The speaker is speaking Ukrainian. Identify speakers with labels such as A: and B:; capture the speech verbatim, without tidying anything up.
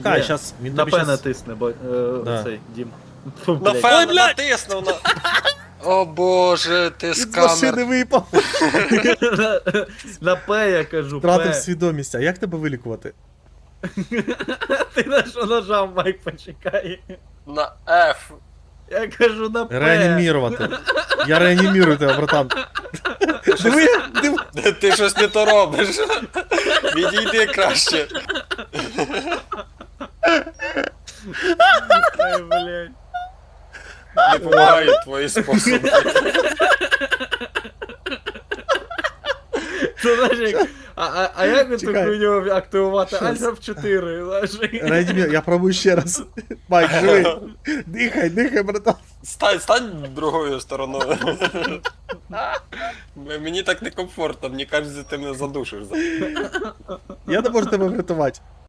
A: Кай,
B: Є.
A: щас він
B: На
A: тобі
B: П
A: щас...
B: натисне, бо е,
A: Да.
B: цей Дім. Фу,
C: На
B: блядь.
C: фен
A: Ой, блядь!
C: натиснув на. О боже, ти
A: З машини
C: скамер.
A: випав.
B: на, на П я кажу,
A: Втратив
B: П.
A: свідомість. А як тебе вилікувати?
B: Ти на що нажав, Майк, почекай.
C: На F.
B: Я кажу на П.
A: Реанімірувати. Я реанімірую тебе, братан. Диви, диви.
C: Ти щось не то робиш. Відійди краще.
B: Ай, блядь.
C: Не допомагають твої способи.
B: Це знаєш, як... А, а, а як ви
A: Чекай.
B: таку нього активувати?
A: Щас.
B: Альфа чотири, знаєш.
A: Реанімір... Я пробую ще раз. Майк, живий. Дихай, дихай, братан.
C: Стань, стань другою стороною. Мені так некомфортно, мені кажеться, ти мене задушиш.
A: Я не можу тебе врятувати.